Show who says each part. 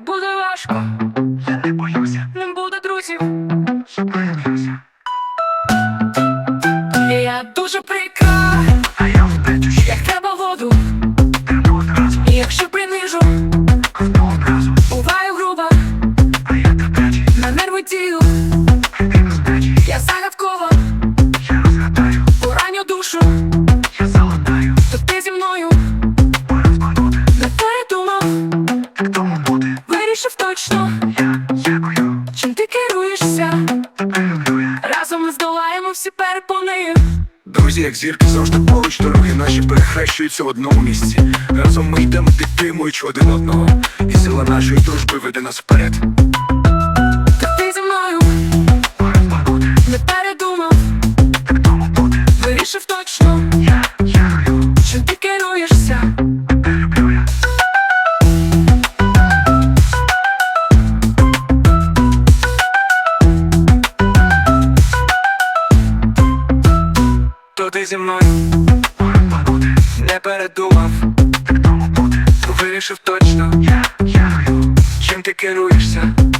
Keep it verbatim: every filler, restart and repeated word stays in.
Speaker 1: буде важко,
Speaker 2: я не боюся,
Speaker 1: не буде друзів.
Speaker 2: що проявлюся.
Speaker 1: І я дуже прикра,
Speaker 2: А я втечу ще,
Speaker 1: як треба воду.
Speaker 2: терплю одразу,
Speaker 1: І якщо принижу,
Speaker 2: ковтну одразу.
Speaker 1: буваю груба,
Speaker 2: А я терплячий,
Speaker 1: на нерви дію.
Speaker 2: ти безпечий.
Speaker 1: Я загадкова,
Speaker 2: Я розгадаю,
Speaker 1: пораню душу.
Speaker 2: я залатаю.
Speaker 1: То ти зі мною
Speaker 2: Пора збагнути,
Speaker 1: не передумав,
Speaker 2: так тому буде.
Speaker 1: вирішив точно,
Speaker 2: Я дякую,
Speaker 1: чим ти керуєшся.
Speaker 2: тебе люблю я.
Speaker 1: Разом ми здолаємо всі перепони.
Speaker 3: Друзі, як зірки, завжди поруч, дороги наші перехрещуються в одному місці. Разом ми йдемо, підтримуючи один одного, і сила нашої дружби веде нас вперед.
Speaker 1: То ти зі мною
Speaker 2: Пора збагнути,
Speaker 1: не передумав,
Speaker 2: так тому буде.
Speaker 1: вирішив точно,
Speaker 2: Я дякую,
Speaker 1: чим ти керуєшся.
Speaker 2: тебе люблю я.
Speaker 3: То ти зі мною
Speaker 2: Пора збагнути,
Speaker 3: не передумав,
Speaker 2: так тому буде.
Speaker 3: вирішив точно,
Speaker 2: Я дякую,
Speaker 3: чим ти керуєшся.